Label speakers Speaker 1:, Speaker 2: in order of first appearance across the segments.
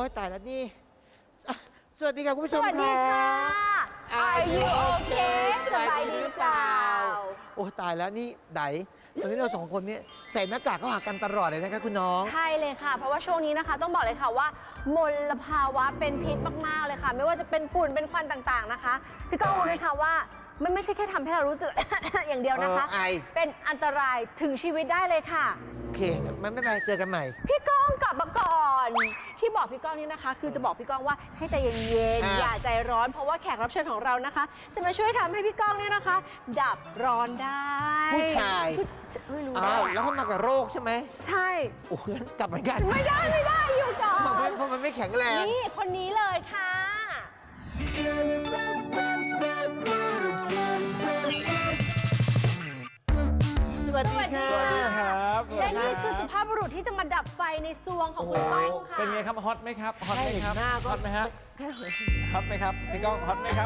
Speaker 1: ตายแล้วนี่อ่ะสวัสดีค่ะคุณผู้ช
Speaker 2: ส
Speaker 1: ม
Speaker 2: วัสดีค่ะ
Speaker 1: Are you okay
Speaker 2: สบายดีหรือเปล่า
Speaker 1: โอ้ตายแล้วนี่ไดตอนนี้เราสองคนเนี่ยใส่หน้ากากเข้าหากันตลอดเลยนะคะคุณน้อง
Speaker 2: ใช่เลยค่ะ เพราะว่าช่วงนี้นะคะต้องบอกเลยค่ะว่ามลภาวะเป็นพิษมากๆเลยค่ะ ไม่ว่าจะเป็นฝุ่นเป็นควันต่างๆนะคะ พี่ก้องรู้ไหมคะว่ามันไม่ใช่แค่ทำให้เรารู้สึก อย่างเดียวนะคะ
Speaker 1: ไอ
Speaker 2: เป็นอันตรายถึงชีวิตได้เลยค่ะ
Speaker 1: โอเคไม่เป็นไรเจอกันใหม่
Speaker 2: พี่ก้องกลับมาก่อน ที่บอกพี่ก้องนี่นะคะ คือจะบอกพี่ก้องว่าให้ใจเย็นๆอย่าใจร้อน เพราะว่าแขกรับเชิญของเรานะคะ จะมาช่วยทำให้พี่ก้องเนี่ยนะคะ ดับร้อนได้
Speaker 1: ผู้ชาย
Speaker 2: ไม่รู้
Speaker 1: อ้าวแล้วเขามากับโรคใช่ไหม
Speaker 2: ใช่
Speaker 1: โอ้งั้นกลับเหมือนกัน
Speaker 2: ไม่ได้อยู่ก่อน
Speaker 1: เพราะมันไม่แข็งแรง
Speaker 2: นี่คนนี้เลยค่ะ
Speaker 1: สวัสดีค่ะ
Speaker 2: สวัสดีค่ะ
Speaker 3: ครับ
Speaker 2: และนี่คือสุภาพบุรุษที่จะมาดับไฟในซวงของคุณก้องค่ะ
Speaker 3: เป็นไงครับฮอตไหมครับฮอตไหมครับ
Speaker 1: แค่เห็นหน้าก็
Speaker 3: ฮอตไหมฮะ
Speaker 1: แค่เห็น
Speaker 3: ฮอตไหมครับพี่ก้องฮอตไหมครับ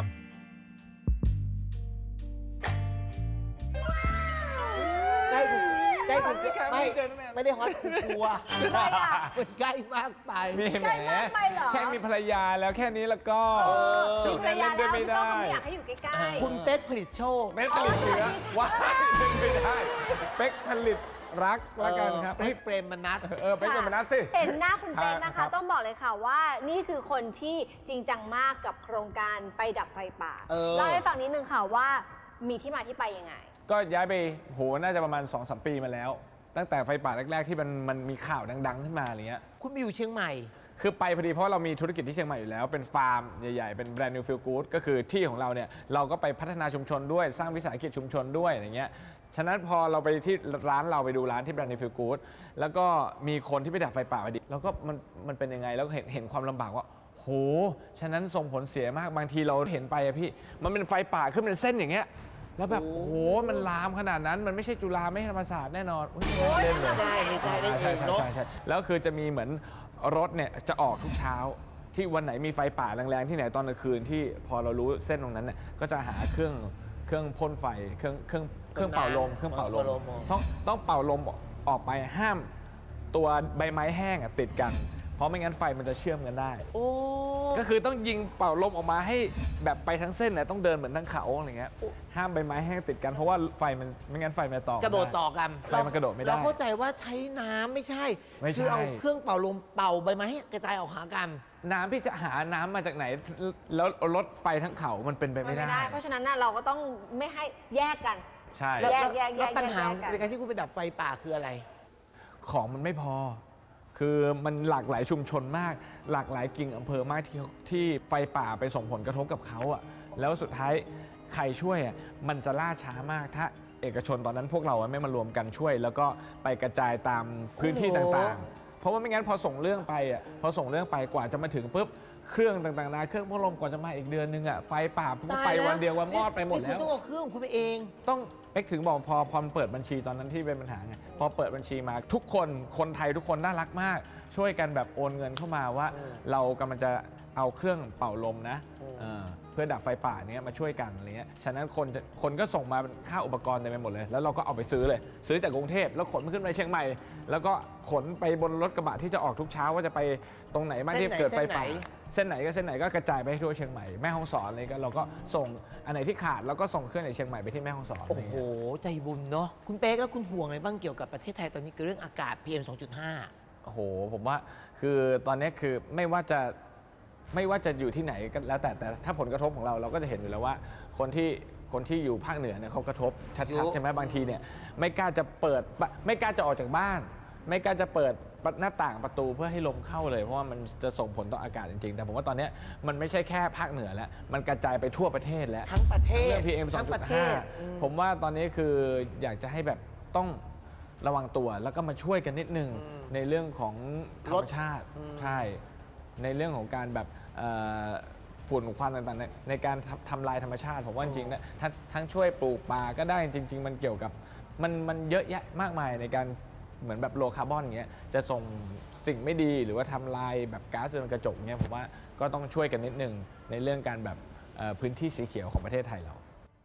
Speaker 1: ใกล้คุณใกล้คุณ
Speaker 3: ไม่
Speaker 1: ไม่
Speaker 3: เจอตั้งนาน
Speaker 1: ไม่ได้ฮอตคุณกลัว
Speaker 2: ทำไมอ่ะ
Speaker 1: มันใกล้มากไป
Speaker 3: มีแหม
Speaker 2: ใกล้มากไปเหรอ
Speaker 3: แค่มีภรรยาแล้วแค่นี้แล้วก็
Speaker 2: มีภรรยา
Speaker 3: เล่นด้
Speaker 2: แล้ว
Speaker 3: วยไม่
Speaker 2: พี่ก้อง
Speaker 3: ได้
Speaker 2: เขาไม่อยากให้อยู่ใกล้
Speaker 1: คุณเป๊กผลิตโชค
Speaker 3: เป๊กผลิตเชื้อว้ายเป็นไม่ได้เป๊กผลิตรักละกันครับ
Speaker 1: ให้เปรมมนัส
Speaker 3: เป๊กเป็นมนัสสิ
Speaker 2: เห็นหน้าคุณเป๊กนะ
Speaker 3: ครั
Speaker 2: คะ
Speaker 3: บ
Speaker 2: ต้องบอกเลยค่ะว่านี่คือคนที่จริงจังมากกับโครงการไปดับไฟป่า เล่าให้ฟังนิดนึงค่ะว่ามีที่มาที่ไปยังไง
Speaker 3: ก็ย้ายไปโหน่าจะประมาณ 2-3 ปีมาแล้ว ตั้งแต่ไฟป่าแรกๆที่มันมีข่าวดังๆขึ้นมาอะไรเงี้ย
Speaker 1: คุณไปอยู่เชียงใหม่
Speaker 3: คือไปพอดีเพราะเรามีธุรกิจที่เชียงใหม่อยู่แล้ว เป็นฟาร์มใหญ่ๆ เป็นแบรนด์ New Feel Good ก็คือที่ของเราเนี่ยเราก็ไปพัฒนาชุมชนด้วยสร้างวิสาหกิจชุมชนด้วยอย่างเงี้ยฉะนั้นพอเราไปที่ร้านเราไปดูร้านที่แบรนด์ New Feel Good แล้วก็มีคนที่ไปดับไฟป่าพอดีแล้วก็มันเป็นยังไงแล้วก็เห็นความลำบากว่าโหฉะนั้นส่งผลเสียมากบางทีเราเห็นไปอะพี่มันเป็นไฟป่าขึ้นเป็นเส้นอย่างเงี้ยแล้วแบบโอ้โหมันลามขนาดนั้นมันไม่ใช่จุฬาไม่ใช่ธรรมศาสตร์แน่นอนอุ๊ยไม่เล่นเลย
Speaker 1: ไม่ใช่เล่นเอ
Speaker 3: ใช่
Speaker 1: ง
Speaker 3: ใช่
Speaker 1: เนาะ
Speaker 3: ใช่ใช่แล้วคือจะมีเหมือนรถเนี่ยจะออกทุกเช้าที่วันไหนมีไฟป่าแรงๆที่ไหนตอนกลางคืนที่พอเรารู้เส้นตรงนั้นเนี่ยก็จะหาเครื่องพ่นไฟเครื่องเป่าลมต้องเป่าลมออกไปห้ามตัวใบไม้แห้งอะติดกันเพราะไม่งั้นไฟมันจะเชื่อมกันได้
Speaker 1: โอ้
Speaker 3: ก็คือต้องยิงเป่าลมออกมาให้แบบไปทั้งเส้นเนี่ยต้องเดินเหมือนทั้งเขาอะไรเงี้ยห้ามใบไม้แห้งติดกันเพราะว่าไฟมันไม่งั้นไฟมันจะต่อก
Speaker 1: ระโดดต่อกัน
Speaker 3: ไฟมันกระโดดไม่ได้
Speaker 1: เราเข้าใจว่าใช้น้ำไม่ใช่
Speaker 3: ไม่ใช่
Speaker 1: คือเอาเครื่องเป่าลมเป่าใบไม้ให้กระจายออกหากัน
Speaker 3: น้ำพี่จะหาน้ำมาจากไหน แล้วรถไฟทั้งเขามันเป็นไป
Speaker 2: มัน
Speaker 3: ไม่
Speaker 2: ไม่
Speaker 3: ได้
Speaker 2: ได้ เพราะฉะนั้นน่ะเราก็ต้องไม่ให้แยกกัน
Speaker 3: ใช่
Speaker 1: แล้ว
Speaker 2: แยก
Speaker 1: แล้วปัญหา
Speaker 2: แยกกัน
Speaker 1: ในการที่คุณไปดับไฟป่าคืออะไร
Speaker 3: ของมันไม่พอ คือมันหลากหลายชุมชนมาก หลากหลายกิ่งอำเภอมากที่ไฟป่าไปส่งผลกระทบกับเขาอะแล้วสุดท้ายใครช่วยอะมันจะล่าช้ามากถ้าเอกชนตอนนั้นพวกเราไม่มารวมกันช่วย แล้วก็ไปกระจายตามพื้นที่
Speaker 1: โอ้โห
Speaker 3: ต่างๆ เพราะว่าไม่งั้นพอส่งเรื่องไปอะพอส่งเรื่องไปกว่าจะมาถึงปุ๊บเครื่องต่างๆนะเครื่องพัดลมกว่าจะมาอีกเดือนนึงอะไฟป่าปุ๊บไปวันเดียววันมอดไปหมด
Speaker 1: นี่
Speaker 3: แล้
Speaker 1: คุณ
Speaker 3: ว
Speaker 1: ต้องเอาเครื่องคุณไปเอง
Speaker 3: ต้องเอ็กถึงบอกพอเปิดบัญชีตอนนั้นที่เป็นปัญหาไงพอเปิดบัญชีมาทุกคนไทยทุกคนน่ารักมาก ช่วยกันแบบโอนเงินเข้ามาว่า เรากำลังจะเอาเครื่องเป่าลมนะเพื่อดับไฟป่าเนี้ยมาช่วยกันอะไรเงี้ยฉะนั้นคนก็ส่งมาค่าอุปกรณ์เต็มไปหมดเลย แล้วเราก็เอาไปซื้อเลย ซื้อจากกรุงเทพแล้วขนมันขึ้นไปเชียงใหม่ แล้วก็ขนไปบนรถกระบะที่จะออกทุกเช้าว่าจะไปตรงไหนบ้างที่เกิดไฟป่า เส้นไหนก็กระจายไปให้ทั่วเชียงใหม่แม่ฮ่องสอนอะไรก็เราก็ส่งอันไหนที่ขาดแล้วก็ส่งเครื่องในเชียงใหม่ไปที่แม่ฮ่องสอน
Speaker 1: โอ้โห ใจบุญเนาะคุณเป๊กแล้วคุณห่วงอะไรบ้างเกี่ยวกับประเทศไทยตอนนี้คือเรื่องอากาศ PM 2.5
Speaker 3: โอ้โหผมว่าคือตอนนี้คือไม่ว่าจะอยู่ที่ไหนก็แล้วแต่ถ้าผลกระทบของเราก็จะเห็นอยู่แล้วว่าคนที่อยู่ภาคเหนือเนี่ยเขากระทบชัดๆใช่ไหมบางทีเนี่ยไม่กล้าจะออกจากบ้าน ไม่กล้าจะเปิดหน้าต่างประตูเพื่อให้ลมเข้าเลยเพราะว่ามันจะส่งผลต่ออากาศจริงๆแต่ผมว่าตอนนี้มันไม่ใช่แค่ภาคเหนือแล้วมันกระจายไปทั่วประเทศแล้ว
Speaker 1: ทั้งประเทศ
Speaker 3: เรื่อง PM
Speaker 1: ทั้งประเทศ
Speaker 3: 2.5 ผมว่าตอนนี้คืออยากจะให้แบบต้องระวังตัวแล้วก็มาช่วยกันนิดนึงในเรื่องของธรรมชาติใช่ในเรื่องของการแบบฝุ่นควันต่างๆในการทำลายธรรมชาติผมว่าจริงๆนะทั้งช่วยปลูกป่าก็ได้จริงๆมันเกี่ยวกับมันเยอะแยะมากมายในการเหมือนแบบโลคาร์บอนอย่างเงี้ยจะส่งสิ่งไม่ดีหรือว่าทำลายแบบก๊าซเรือนกระจกเงี้ยผมว่าก็ต้องช่วยกันนิดนึงในเรื่องการแบบพื้นที่สีเขียวของประเทศไทยเรา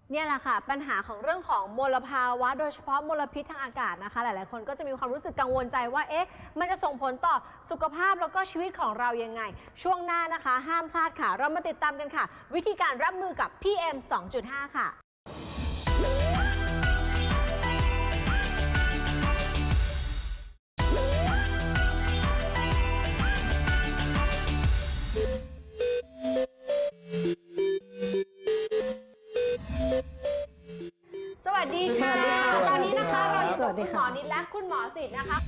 Speaker 2: เนี่ยแหละค่ะปัญหาของเรื่องของมลภาวะโดยเฉพาะมลพิษทางอากาศนะคะหลายๆคนก็จะมีความรู้สึกกังวลใจว่าเอ๊ะมันจะส่งผลต่อสุขภาพแล้วก็ชีวิตของเรายังไงช่วงหน้านะคะห้ามพลาดค่ะเรามาติดตามกันค่ะวิธีการรับมือกับ PM 2.5 ค่ะสวัสดีค่ะตอนนี้นะคะเราอยู่กับคุณหมอนิดและคุณหมอสิทธิ์นะคะ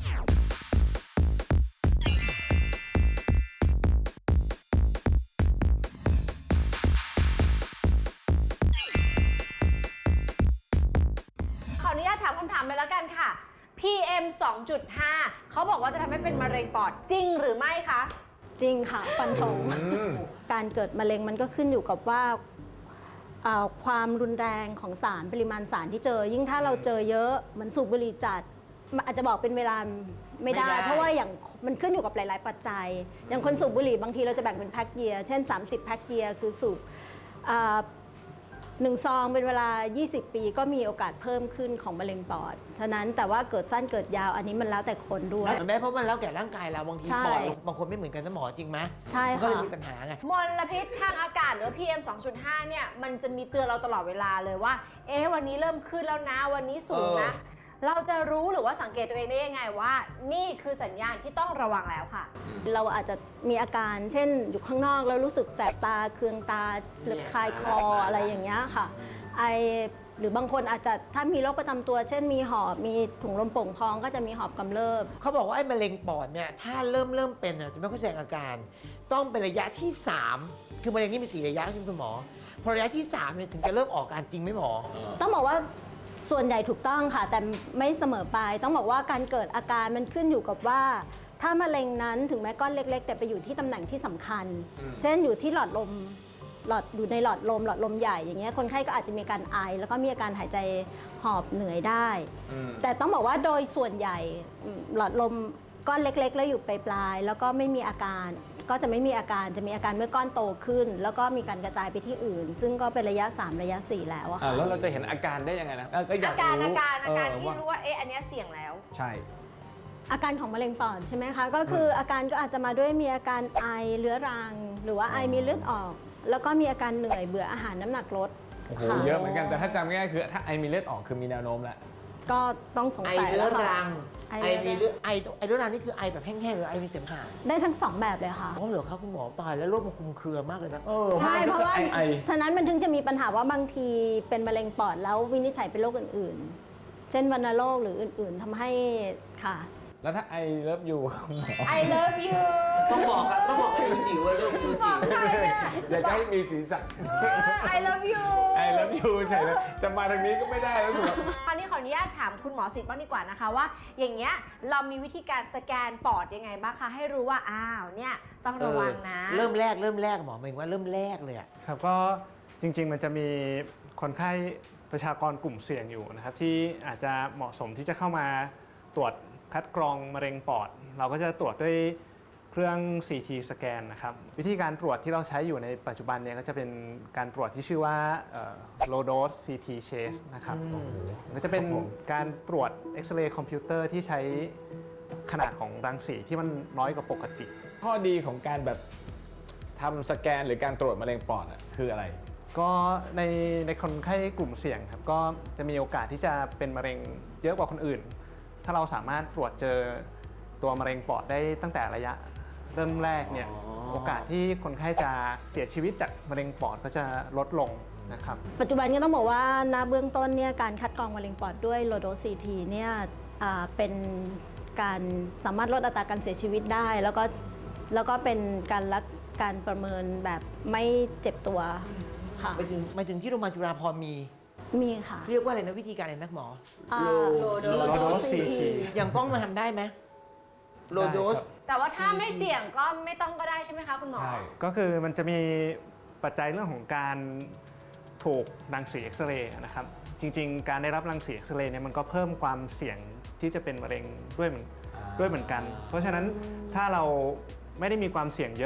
Speaker 2: ขออนุญาตถามคำถามเลยแล้วกันค่ะ PM 2.5 เขาบอกว่าจะทำให้เป็นมะเร็งปอดจริงหรือไม่คะ
Speaker 4: จริงค่ะฟันธงการเกิดมะเร็งมันก็ขึ้นอยู่กับว่าความรุนแรงของสารปริมาณสารที่เจอ ยิ่งถ้าเราเจอเยอะเหมือนสูบบุหรี่จัดมันอาจจะบอกเป็นเวลาไม่ได้ เพราะว่าอย่างมันขึ้นอยู่กับหลาย ๆ ปัจจัย อย่างคนสูบบุหรี่บางทีเราจะแบ่งเป็นแพ็คเยียร์เช่น 30 แพ็คเยียร์คือสูบ1 ซองเป็นเวลา 20 ปีก็มีโอกาสเพิ่มขึ้นของมะเร็งปอด ฉะนั้นแต่ว่าเกิดสั้นเกิดยาวอันนี้มันแล้วแต่คนด้วย
Speaker 1: แม่เพราะมันแล้วแก่ร่างกายเราบางที
Speaker 4: ใช่
Speaker 1: ปอดบางคนไม่เหมือนกันนะหมอจริงไหม
Speaker 4: ใช่
Speaker 1: มันก็เลย
Speaker 4: ค่ะ
Speaker 1: มีปัญหาไง
Speaker 2: มลพิษทางอากาศหรือ PM 2.5 เนี่ยมันจะมีเตือนเราตลอดเวลาเลยว่าเอ๊ะวันนี้เริ่มขึ้นแล้วนะวันนี้สูงนะ เราจะรู้หรือว่าสังเกตตัวเองได้ยังไงว่านี่คือสัญญาณที่ต้องระวังแล้วค่ะ
Speaker 4: เราอาจจะมีอาการเช่นอยู่ข้างนอกแล้วรู้สึกแสบตาเคืองตาหรือคลายคออะไรอย่างเงี้ยค่ะไอหรือบางคนอาจจะถ้ามีโรคประจำตัว เช่นมีหอบมีถุงลมโป่งพองก็จะมีหอบกำเริบ
Speaker 1: เขาบอกว่าไอ้มะเร็งปอดเนี่ยถ้าเริ่มเป็นจะไม่ค่อยแสดงอาการ ต้องเป็นระยะที่ 3 คือมะเร็งนี่มี4ระยะใช่ไหมคุณหมอพอระยะที่3เนี่ยถึงจะเริ่มออกอาการจริงไหมหมอ
Speaker 4: ต้องบอกว่าส่วนใหญ่ถูกต้องค่ะ แต่ไม่เสมอไปต้องบอกว่าการเกิดอาการมันขึ้นอยู่กับว่า ถ้ามะเร็งนั้นถึงแม้ก้อนเล็ก ๆ แต่ไปอยู่ที่ตำแหน่งที่สำคัญ เช่นอยู่ที่หลอดลมอยู่ในหลอดลมใหญ่อย่างเงี้ยคนไข้ก็อาจจะมีการไอแล้วก็มีอาการหายใจหอบเหนื่อยได้ แต่ต้องบอกว่าโดยส่วนใหญ่หลอดลมก้อนเล็ก ๆ แล้วอยู่ปลายๆแล้วก็ไม่มีอาการก็จะไม่มีอาการจะมีอาการเมื่อก้อนโตขึ้น แล้วก็มีการกระจายไปที่อื่น ซึ่งก็เป็นระยะ 3 ระยะ 4 แล้วอะค่ะ
Speaker 3: แล้วเราจะเห็นอาการได้ยังไงนะก็อยาก
Speaker 2: อาการ
Speaker 3: รู้
Speaker 2: ที่รู้ว่าเอ๊ะอันเนี้ยเสี่ยงแล้ว
Speaker 3: ใช่
Speaker 4: อาการของมะเร็งปอดใช่ไหมคะก็คืออาการก็อาจจะมาด้วยมีอาการไอเรื้อรัง หรือว่าไอมีเลือดออก แล้วก็มีอาการเหนื่อยเบื่ออาหารน้ำหนักลด
Speaker 3: โอ้โห
Speaker 4: ค่ะ
Speaker 3: เยอะเหมือนกันแต่ถ้าจำง่ายๆคือถ้าไอมีเลือดออกคือมีแนวโน้มแล้ว
Speaker 4: ก็ต้องสง
Speaker 1: ไอ
Speaker 4: สัย
Speaker 1: เรื้อ
Speaker 4: แล้วค่ะ
Speaker 1: รัง
Speaker 4: ไอ
Speaker 1: ไอ
Speaker 4: เรื้อรัง
Speaker 1: มีเลือดไอเรื้อรังนี่คือไอแบบแห้งๆหรือไอมีเสมหะ
Speaker 4: ได้ทั้งสองแบบเลยค่ะ
Speaker 1: อ๋อเหรอครับคุณหมอตายแล้วโรคมันคลุมเครือมากเลยนะ
Speaker 4: ใช่เพราะว่า
Speaker 3: ไอ
Speaker 4: ฉะนั้นมันถึงจะมีปัญหาว่าบางทีเป็นมะเร็งปอดแล้ววินิจฉัยเป็นโรคอื่นๆ เช่นวัณโรคหรืออื่นๆทำให้ค่ะ
Speaker 3: แล้วถ้าไอเลิฟยูหมอ
Speaker 2: I love you
Speaker 1: ต้องบอกกับจิ๋วว่าเรื่องจิ๋ว
Speaker 2: บอกใครเนี่ย
Speaker 3: อยากจะให้มีสีสัน
Speaker 2: I love you
Speaker 3: ไอเลิฟยูใช่เลยจะมาทางนี้ก็ไม่ได้แล้วถูกไหม
Speaker 2: คราวนี้ขออนุญาตถามคุณหมอสิทธิ์บ้างดีกว่านะคะว่าอย่างเงี้ยเรามีวิธีการสแกนปอดยังไงบ้างคะให้รู้ว่าอ้าวเนี่ยต้องระวังนะ
Speaker 1: เริ่มแรกหมอหมายถึงว่าเริ่มแรกเลยอะ
Speaker 5: ครับก็จริงๆมันจะมีคนไข้ประชากรกลุ่มเสี่ยงอยู่นะครับที่อาจจะเหมาะสมที่จะเข้ามาตรวจคัดกรองมะเร็งปอด เราก็จะตรวจด้วยเครื่อง CT สแกนนะครับวิธีการตรวจที่เราใช้อยู่ในปัจจุบันเนี่ยก็จะเป็นการตรวจที่ชื่อว่า low dose CT chase นะครับก็จะเป็นการตรวจเอ็กซเรย์คอมพิวเตอร์ที่ใช้ขนาดของรังสีที่มันน้อยกว่าปกติ
Speaker 3: ข้อดีของการแบบทำสแกนหรือการตรวจมะเร็งปอดคืออะไร
Speaker 5: ก็ในคนไข้กลุ่มเสี่ยงครับก็จะมีโอกาสที่จะเป็นมะเร็งเยอะกว่าคนอื่น ถ้าเราสามารถตรวจเจอตัวมะเร็งปอดได้ตั้งแต่ระยะเริ่มแรกเนี่ยโอกาสที่คนไข้จะเสียชีวิตจากมะเร็งปอดก็จะลดลงนะครับ
Speaker 4: ปัจจุบันก็ต้องบอกว่าณเบื้องต้นเนี่ยการคัดกรองมะเร็งปอดด้วย low dose CT เนี่ยเป็นการสามารถลดอัตราการเสียชีวิตได้ แล้วก็เป็นการประเมินแบบไม่เจ็บตัวค่ะ
Speaker 1: หมายถึงที่โรงพยาบาลจุฬาภรณ์มี
Speaker 4: ค่ะ
Speaker 1: เรียกว่าอะไรนะวิธีการอะไรนะหมอ
Speaker 4: low
Speaker 5: low
Speaker 4: dose
Speaker 5: dose
Speaker 4: CT
Speaker 5: CT
Speaker 1: อย่างกล้องมาทำได้ไหมโลโดส
Speaker 2: แต่ว่าถ้าไม่เสี่ยงก็ไม่ต้องก็ได้ใช่ไหมคะคุณหมอ
Speaker 3: ใช่
Speaker 5: ก็คือมันจะมีปัจจัยเรื่องของการถูกรังสีเอ็กซเรย์นะครับจริงๆ การได้รับรังสีเอ็กซเรย์เนี่ยมันก็เพิ่มความเสี่ยงที่จะเป็นมะเร็งด้วยเหมือนกัน เพราะฉะนั้นถ้าเราไม่ได้มีความเสี่ยงเยอะ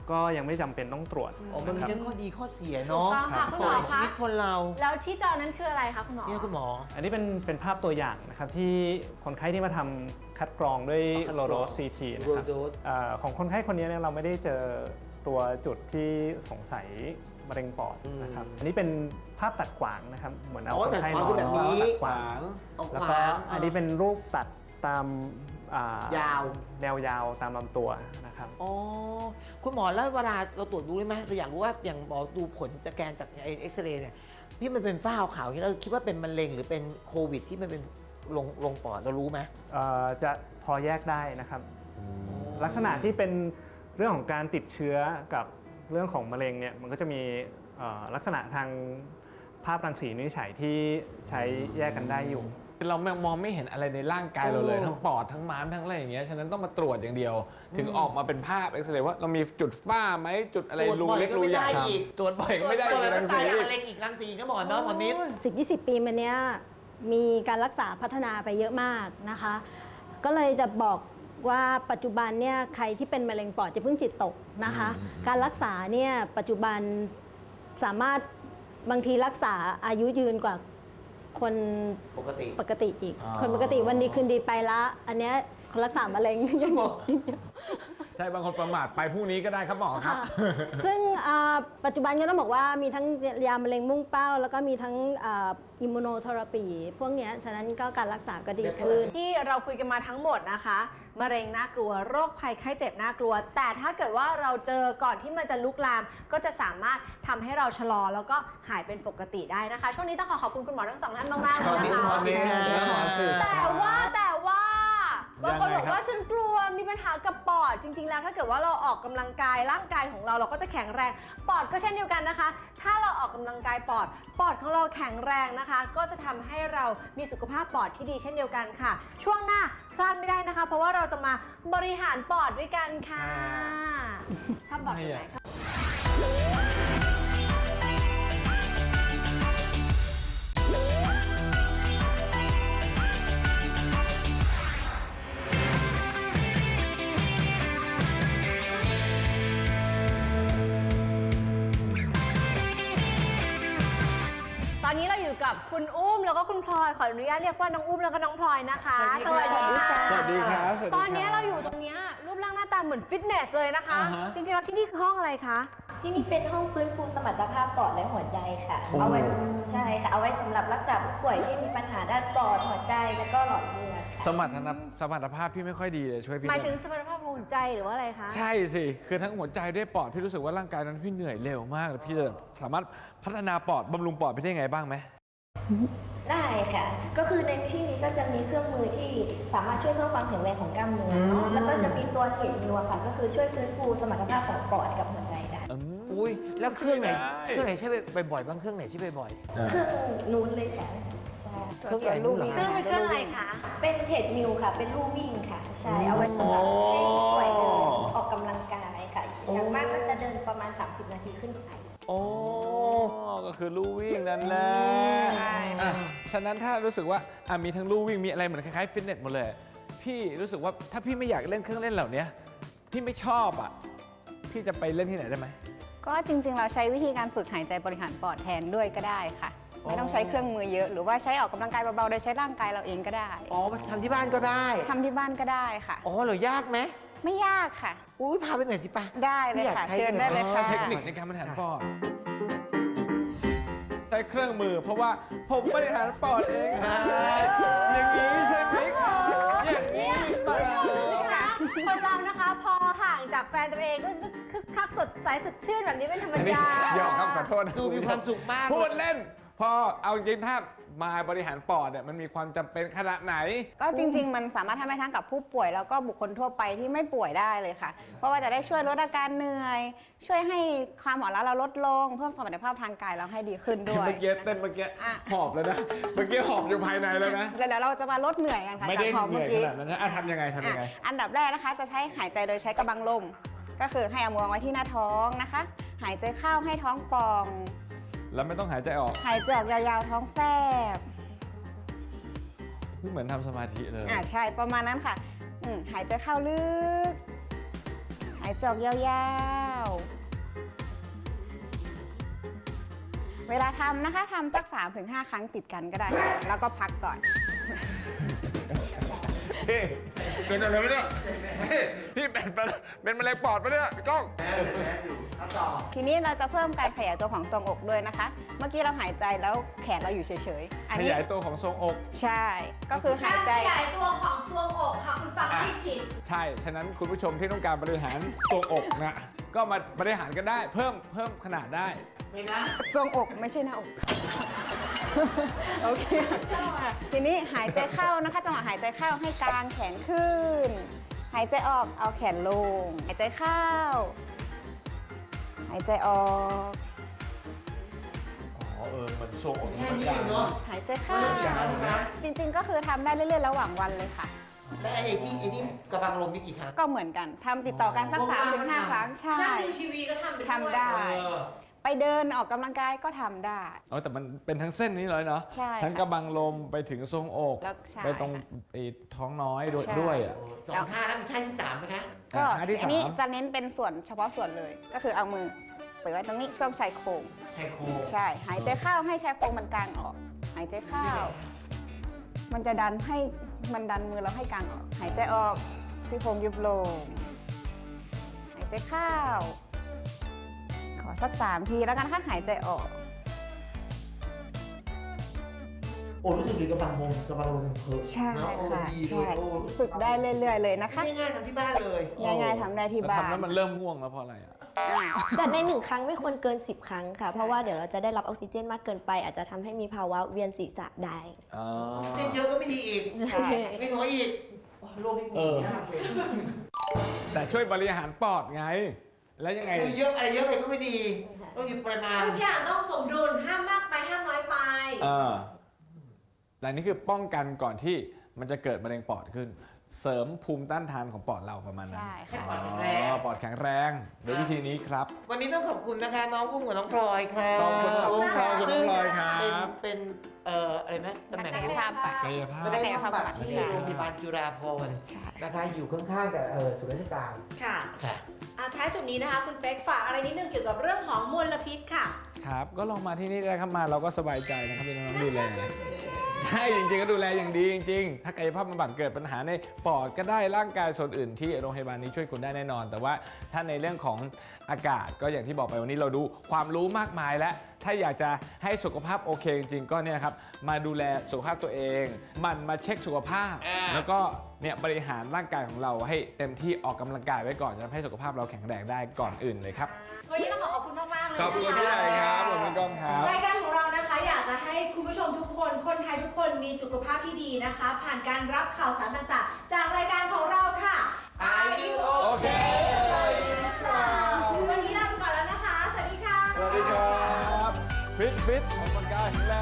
Speaker 5: ก็ยังไม่จำเป็นต้องตรวจ
Speaker 1: อ๋อมันมี
Speaker 5: นะครับ
Speaker 1: ทั้งข้อดีข้อเสีย
Speaker 2: ถูก
Speaker 1: เนาะ
Speaker 2: ต้องค่ะคุณ
Speaker 1: ป
Speaker 2: หม
Speaker 1: ล่
Speaker 2: อ
Speaker 1: อยชี
Speaker 2: คะ
Speaker 1: วิตคนเรา
Speaker 2: แล้วที่จอนั้นคืออะไรคะคุณหมอ
Speaker 1: เนี่ยคุณหมอ
Speaker 5: อันนี้เป็นภาพตัวอย่างนะครับที่คนไข้ที่มาทำคัดกรองด้วย
Speaker 1: คัดกรอง
Speaker 5: โลโรส CT นะครับ
Speaker 1: Low dose
Speaker 5: ของคนไข้คนนี้เนี่ยเราไม่ได้เจอตัวจุดที่สงสัยมะเร็งปอดนะครับอันนี้เป็นภาพตัดขวางนะครับเหมือนเอา
Speaker 1: อ๋อ
Speaker 5: คนไข้
Speaker 1: ตัดขวางคือแบบนี้
Speaker 5: ตัดขวาง
Speaker 1: เอา
Speaker 5: แล้ว
Speaker 1: ข
Speaker 5: ก็
Speaker 1: วาง
Speaker 5: อันนี้เป็นรูปตัดตาม
Speaker 1: ยาว
Speaker 5: แนวยาวตามลำตัวนะครับ
Speaker 1: อ๋อคุณหมอแล้วเวลาเราตรวจดูได้ไหมเราอยากรู้ว่าอย่างหมอดูผลจากแกนจากเอ็กซเรย์เนี่ยพี่มันเป็นฝ้าขาวๆอย่างนี้เราคิดว่าเป็นมะเร็งหรือเป็นโควิดที่มันเป็นลงปอดเรารู้ไหม
Speaker 5: จะพอแยกได้นะครับ ลักษณะที่เป็นเรื่องของการติดเชื้อกับเรื่องของมะเร็งเนี่ยมันก็จะมีลักษณะทางภาพรังสีวินิจฉัยที่ใช้แยกกันได้อยู่
Speaker 3: เรามองไม่เห็นอะไรในร่างกายเราเลย
Speaker 1: โอ้
Speaker 3: ทั้งปอดทั้งม้ามทั้งอะไรอย่างเงี้ยฉะนั้นต้องมาตรวจอย่างเดียว ถึงออกมาเป็นภาพเอ็กซเรย์ว่าเรามีจุดฝ้าไหมจุดอะไร
Speaker 1: ตรวจ
Speaker 3: รู
Speaker 1: บ่อย
Speaker 3: เล็ก
Speaker 1: ก็
Speaker 3: รู
Speaker 1: ไม่
Speaker 3: ใหญ่
Speaker 1: ได้อีก
Speaker 3: ตรวจบ่อยก็ไม่ได้
Speaker 1: ตัวแบบ
Speaker 3: รัง
Speaker 1: ตา
Speaker 3: สี
Speaker 1: ยมะเร็งอีกรังสีก็หมอเนาะหมอมิตร
Speaker 4: 10-20 ปีมาเนี้ยมีการรักษาพัฒนาไปเยอะมากนะคะ ก็เลยจะบอกว่าปัจจุบันเนี่ยใครที่เป็นมะเร็งปอดจะเพิ่งจิตตกนะคะ การรักษาเนี่ยปัจจุบันสามารถบางทีรักษาอายุยืนกว่าคน
Speaker 1: ปกติ
Speaker 4: ปกติอีก
Speaker 3: อ๋อ
Speaker 4: คนปกติวันดีคืนดีไปละ อันเนี้ยคนรักษามะเร็งยังบอก
Speaker 3: ใช่บางคนประมาทไปพรุ่งนี้ก็ได้ครับหมอครับ
Speaker 4: ซึ่งปัจจุบันก็ต้องบอกว่ามีทั้งยามะเร็งมุ่งเป้า แล้วก็มีทั้งอิมมูโนเทอราปีพวกเนี้ยฉะนั้นก็การรักษาก็ดีขึ้น
Speaker 2: ที่เราคุยกันมาทั้งหมดนะคะมะเร็งน่ากลัวโรคภัยไข้เจ็บน่ากลัว แต่ถ้าเกิดว่าเราเจอก่อนที่มันจะลุกลาม ก็จะสามารถทำให้เราชะลอแล้วก็หายเป็นปกติได้นะคะ ช่วงนี้ต้องขอบคุณคุณหมอทั้งสองท่านมากๆเลยนะคะ
Speaker 1: ขอบคุณหมอสิทธิ์
Speaker 2: แต่ว่าบางคน
Speaker 3: ยังไง
Speaker 2: บอก
Speaker 3: ครับ
Speaker 2: ว่าฉันกลัวมีปัญหากับปอดจริง ๆ แล้วถ้าเกิดว่าเราออกกำลังกายร่างกายของเราก็จะแข็งแรงปอดก็เช่นเดียวกันนะคะ ถ้าเราออกกำลังกายปอดของเราแข็งแรงนะคะ ก็จะทำให้เรามีสุขภาพปอดที่ดีเช่นเดียวกันค่ะ ช่วงหน้าพลาดไม่ได้นะคะ เพราะว่าเราจะมาบริหารปอดด้วยกันค่ะชอบบอดไหนชอบ ตอนนี้เราอยู่กับคุณอุ้มแล้วก็คุณพลอยขออนุญาตเรียกว่าน้องอุ้มแล้วก็น้องพลอยนะคะ
Speaker 1: สวัสดีค่ะ
Speaker 3: สวัสดีครับ
Speaker 2: ตอนนี้เราอยู่ตรงเนี้ยรูปร่างหน้าตาเหมือนฟิตเนสเลยนะคะ
Speaker 3: อ่าฮะ
Speaker 2: จริงๆแล้วที่นี่คือห้องอะไรคะ
Speaker 6: ที่นี่เป็นห้องฟื้นฟูสมรรถภาพปอดและหัวใจค่ะ เอาไว้ใช่ค่ะ เอาไว้สำหรับรักษาผู้ป่วยที่มีปัญหาด้านปอดหัวใจแล้วก็หลอดเลือดค่ะ
Speaker 3: สมรรถภาพพี่ไม่ค่อยดีเลยช่วยพี่
Speaker 2: หมาย
Speaker 3: หน่
Speaker 2: ถึ
Speaker 3: อย
Speaker 2: งสมรรถภาพหัวใจหรือว่าอะไรคะ
Speaker 3: ใช่สิคือทั้งหัวใจด้วยปอดพี่รู้สึกว่าร่างกายนั้นพี่เหนื่อยเร็วมากแล้วพี่จะสามารถพัฒนาปอดบำรุงปอดพี่ได้ไงบ้างไหม
Speaker 6: ได้ค่ะ ก็คือในที่นี้ก็จะมีเครื่องมือที่สามารถช่วยเพิ่มความแข็งแรงของกล้ามเนื้อเนาะแล้วก็จะมีตัวเทรดมิลค่ะ ก็คือช่วยฟื้นฟูสมรรถภาพของปอดกับหัวใจได้
Speaker 1: อุ้ยแล้วเครื่องไหน
Speaker 3: ได้
Speaker 1: เครื่องไหนใช้บ่อยๆบ้างเครื่องไหนใช้บ่อย
Speaker 6: เครื่องนู้นเลยค่ะใช่
Speaker 1: ๆเครื่องใหญ่นู่นเหรอ
Speaker 2: เครื่องเป็นเครื่องอะไรคะ
Speaker 6: เป็นเทรดมิลค่ะ เป็นลู่วิ่งค่ะ ใช่ เอาไว้สำหรับให้ผู้ป่วยเดินออกกำลังกายค่ะ อย่างมากก็จะเดินประมาณ 30 นาทีขึ้นไป
Speaker 1: โอ้
Speaker 3: ก็คือลู่วิ่งนั่นแหละอ่ะฉะนั้นถ้ารู้สึกว่ามีทั้งลู่วิ่งมีอะไรเหมือนคล้ายๆฟิตเนสหมดเลย พี่รู้สึกว่าถ้าพี่ไม่อยากเล่นเครื่องเล่นเหล่านี้พี่ไม่ชอบพี่จะไปเล่นที่ไหนได้ไหม
Speaker 7: ก็จริงๆ เราใช้วิธีการฝึกหายใจบริหารปอดแทนด้วยก็ได้ค่ะ ไม่ต้องใช้เครื่องมือเยอะ หรือว่าใช้ออกกำลังกายเบาๆ โดยใช้ร่างกายเราเองก็ได้
Speaker 1: อ๋อทำที่บ้านก็ได้
Speaker 7: ทำที่บ้านก็ได้ค่ะ
Speaker 1: อ๋อเหรอยากไหม
Speaker 7: ไม่ยากค่ะ
Speaker 1: อุ้ยพาไปหน่อยสิปะ
Speaker 7: ได้เลยค่ะ
Speaker 1: ไม่อยากใช้
Speaker 7: เชิญได้เลยค่ะ
Speaker 3: เทคนิคในการบริหารปอดใช้เครื่องมือเพราะว่าผมบริหารปอดเองอย่างนี้ใช่ไหมครับอย่างนี้
Speaker 2: คุณผู้ชมสิคะคนเรานะคะพอห่างจากแฟนตัวเองก็จะคึกคักสดใสสดชื่นแบบนี้เป็นธรรม
Speaker 3: อันนี้
Speaker 2: ดา
Speaker 3: ยอมครับขอโทษนะ
Speaker 1: ดูมีความสุขมาก
Speaker 3: พูดเล่น พอเอาจริงถ้ามาบริหารปอดเนี่ยมันมีความจำเป็นขนาดไหน
Speaker 7: ก็จริงๆ มันสามารถทำได้ทั้งกับผู้ป่วยแล้วก็บุคคลทั่วไปที่ไม่ป่วยได้เลยค่ะ เพราะว่าจะได้ช่วยลดอาการเหนื่อย ช่วยให้ความหมอนล้าเราลดลง เพิ่มสมรรถภาพทางกายเราให้ดีขึ้นด้วย
Speaker 3: เมื่อกี้เต้นเมื่อกี้
Speaker 7: อ่ะ
Speaker 3: หอบแล้วนะ เมื่อกี้หอบอยู่ภายในแล้วนะ
Speaker 7: แล้วเดี๋ยวเราจะมาลดเหนื่อยกันค่ะ
Speaker 3: ไม่
Speaker 7: จาก
Speaker 3: ได้
Speaker 7: หอม
Speaker 3: เหนื่
Speaker 7: เมื่
Speaker 3: อ
Speaker 7: อย กี้
Speaker 3: ขนาดนั้นนะทำยังไงทำยังไง
Speaker 7: อันดับแรกนะคะจะใช้หายใจโดยใช้กระบังลม ก็คือให้เอามือวางไว้ที่หน้าท้องนะคะ หายใจเข้าให้ท้องป่อง
Speaker 3: แล้วไม่ต้องหายใจออก
Speaker 7: หายใจออกยาวๆท้องแฟบ
Speaker 3: เหมือนทำสมาธิเลย
Speaker 7: ใช่ประมาณนั้นค่ะหายใจเข้าลึก หายใจออกยาวเวลาทำนะคะทำสัก 3-5 ครั้งติดกันก็ได้ค่ะแล้วก็พักก่อน
Speaker 3: พี่เกิดอะไรไม่ได้พี่เป็นมะเร็งปอดปะเนี่ยพี่ก้อง
Speaker 7: ทีนี้เราจะเพิ่มการขยายตัวของทรวงอกด้วยนะคะ เมื่อกี้เราหายใจแล้วแขนเราอยู่เฉยๆ อัน
Speaker 3: ข
Speaker 7: นี้
Speaker 3: ยายตัวของทรวงอก
Speaker 7: ใช่ ก็คือหายใจ
Speaker 2: ขยายตัวของทรวงอกค่ะคุณฟังไม่ผิด
Speaker 3: ใช่ ฉะนั้นคุณผู้ชมที่ต้องการบริหารทรวงอกนะก็มาบริหารกันได้เพิ่มขนาดได้
Speaker 1: ไม่นะ
Speaker 7: ทรวงอกไม่ใช่หน้าอกค่ะ โอเคทีนี้หายใจเข้านะคะจังหวะหายใจเข้าให้กางแขนขึ้น หายใจออกเอาแขนลง หายใจเข้า หายใจออก
Speaker 3: อ๋อมันทรวงอก
Speaker 1: แค่นี้เองเนาะ
Speaker 7: หายใจเข้า
Speaker 1: ไม่ต้องยาวนะ
Speaker 7: จริงๆ ก็คือทำได้เรื่อยๆ ระหว่างวันเลยค่ะ
Speaker 1: และไอ้ที่กระบังลมนี่กี่ครั้ง
Speaker 7: ก็เหมือนกันทำติดต่อกันสัก
Speaker 1: อ๋อ
Speaker 7: 3-5 ครั้งใช่
Speaker 2: นั่งดูทีวีก็ทำไปด้วย
Speaker 7: ทำได้ ไปเดินออกกำลังกายก็ทำได้
Speaker 3: อ๋อแต่มันเป็นทั้งเส้นนี้เลยเนาะ
Speaker 7: ใช่
Speaker 3: ทั้ง
Speaker 7: ค่ะ
Speaker 3: กระบังลมไปถึงทรวงอก
Speaker 7: แล้วใช่
Speaker 3: ไปตรง
Speaker 7: ค่ะ
Speaker 3: ไอ้ท้องน้อยด้วย
Speaker 7: ใช่
Speaker 3: ด้วยอ่ะ
Speaker 1: สองท่าแล้วมีท่าที่สามไหมคะ
Speaker 7: ก็
Speaker 3: ท่าที่
Speaker 7: อันนี้
Speaker 3: สาม
Speaker 7: จะเน้นเป็นส่วนเฉพาะส่วนเลย ก็คือเอามือไปไว้ตรงนี้ช่วงชายโครง
Speaker 1: ชายโครง
Speaker 7: ใช่ หายใจเข้าให้ชายโครงมันกางออก หายใจเข้า มันจะดันให้มันดันมือเราให้กางออก หายใจออกซี่โครงยุบลง หายใจเข้า ขอสัก3 ทีแล้วกันค่ะหายใจออก
Speaker 1: โอ้รู้สึกดีกระบังลมเพิ่ม
Speaker 7: ใช่
Speaker 1: เนอะโอ้
Speaker 7: ค่ะ
Speaker 1: ดีเล
Speaker 7: ใช่
Speaker 1: ยโอ้
Speaker 7: ฝึกได้เรื่อยๆเลยนะคะ
Speaker 1: ง่ายๆทำที่บ้านเลย
Speaker 7: ง่ายๆทำได้ที่
Speaker 3: แต่
Speaker 7: บ้า
Speaker 3: ทำ
Speaker 7: น
Speaker 3: แล้วมันเริ่มง่วงแล้วเพราะอะไรอ่ะ
Speaker 6: แต่ใน1 ครั้งไม่ควรเกิน 10 ครั้งค่ะ
Speaker 7: ใช่
Speaker 6: เพราะว่าเดี๋ยวเราจะได้รับออกซิเจนมากเกินไป อาจจะทำให้มีภาวะเวียนศีรษะได้
Speaker 3: อ๋อ
Speaker 1: เต้นเยอะก็ไม่ดีอีก
Speaker 7: ใช่
Speaker 1: ไม่น้อยอีกโอ้โลกนี้กูยากเลย
Speaker 3: แต่ช่วยบริหารปอดไง แล้วยังไง
Speaker 1: คือเยอะอะไรเยอะไปก็ไม่ดี ต้องอยู่ปริมาณ
Speaker 2: ทุกอย่างต้องสมดุล ห้ามมากไปห้ามน้อยไป
Speaker 3: แต่นี่คือป้องกันก่อนที่มันจะเกิดมะเร็งปอดขึ้น เสริมภูมิต้านทานของปอดเราประมาณนั้น
Speaker 7: ใช่
Speaker 1: ให้
Speaker 7: ค่ะ
Speaker 1: ปอดแข็งแรง
Speaker 3: ปอดแข็งแรงโดยวิธีนี้ครับ
Speaker 1: วันนี้ต้องขอบคุณนะคะน้องกุ้งกับน้องพลอยค่ะ
Speaker 3: ขอบคุณน้องกุ้งครับขอบคุณน้องพลอยครับ
Speaker 1: เป็นอะไรนะตำแหน่ง
Speaker 7: นักกายภาพบำบัด
Speaker 3: กายภาพ
Speaker 1: ไม่ได้กายภาพบำบัดที่
Speaker 7: ใช่
Speaker 1: โรงพยาบาลจุฬาภรณ์
Speaker 7: ใช่
Speaker 1: นะคะอยู่ข้างๆกับศูนย์ราชการ
Speaker 2: ค่ะ
Speaker 1: ค่ะ
Speaker 2: ท้ายสุดนี้นะคะ คุณเป๊กฝากอะไรนิดนึงเกี่ยวกับเรื่องของมลพิษค่ะ
Speaker 3: ครับก็ลองมาที่นี่ได้ครับมาเราก็สบายใจนะครับพี่น้องๆดูแล ใช่จริงๆก็ดูแลอย่างดีจริงๆ ถ้ากายภาพบำบัดเกิดปัญหาในปอดก็ได้ร่างกายส่วนอื่นที่โรงพยาบาลนี้ช่วยคุณได้แน่นอน แต่ว่าถ้าในเรื่องของอากาศก็อย่างที่บอกไปวันนี้เราดูความรู้มากมายแล้วถ้าอยากจะให้สุขภาพโอเคจริงๆก็เนี่ยครับมาดูแลสุขภาพตัวเองหมันมาเช็คสุขภาพ แล้วก็เนี่ยบริหารร่างกายของเราให้เต็มที่ออกกำลังกายไว้ก่อนจะทำให้สุขภาพเราแข็งแรงได้ก่อนอื่นเลยครับ
Speaker 2: วันนี้ต้องขอบคุณมากๆเลย
Speaker 3: ขอบคุณพี่ใหญ่ครับขอบคุณก้องครับ
Speaker 2: รายการของเรานะคะอยากจะให้คุณผู้ชมทุกคน คนไทยทุกคนมีสุขภาพที่ดีนะคะ ผ่านการรับข่าวสารต่างๆ จากรายการของเราค่ะ
Speaker 1: I do
Speaker 3: โอเค
Speaker 2: วันนี้ลาไปก่อนแล้วนะคะ สวัสดีค่ะ
Speaker 3: สวัสดีครับฟิตออกกำลังกายแข็งแรง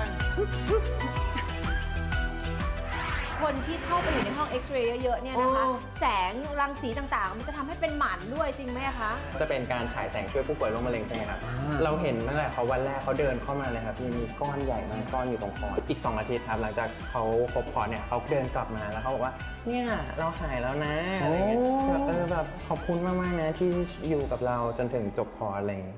Speaker 2: คนที่เข้าไปอยู่ในห้องเอ็กซเรย์เยอะๆเนี่ยนะคะ
Speaker 1: โอ้
Speaker 2: แสงรังสีต่างๆ มันจะทำให้เป็นหมันด้วยจริงไหมคะ
Speaker 8: จะเป็นการฉายแสงช่วยผู้ป่วยโรคมะเร็งใช่ไหมครับ เราเห็นตั้งแต่เขาวันแรกเขาเดินเข้ามาเลยครับมีก้อนใหญ่มากก้อนอยู่ตรงคออีก 2 อาทิตย์ครับหลังจากเขาครบคอร์สเนี่ยเขาเดินกลับมาแล้วเขาบอกว่าเนี่ยเราหายแล้วนะอะไรเงี้ยแบบแบบขอบคุณมากๆนะที่อยู่กับเราจนถึงจบคอร์สอะไรเงี้ย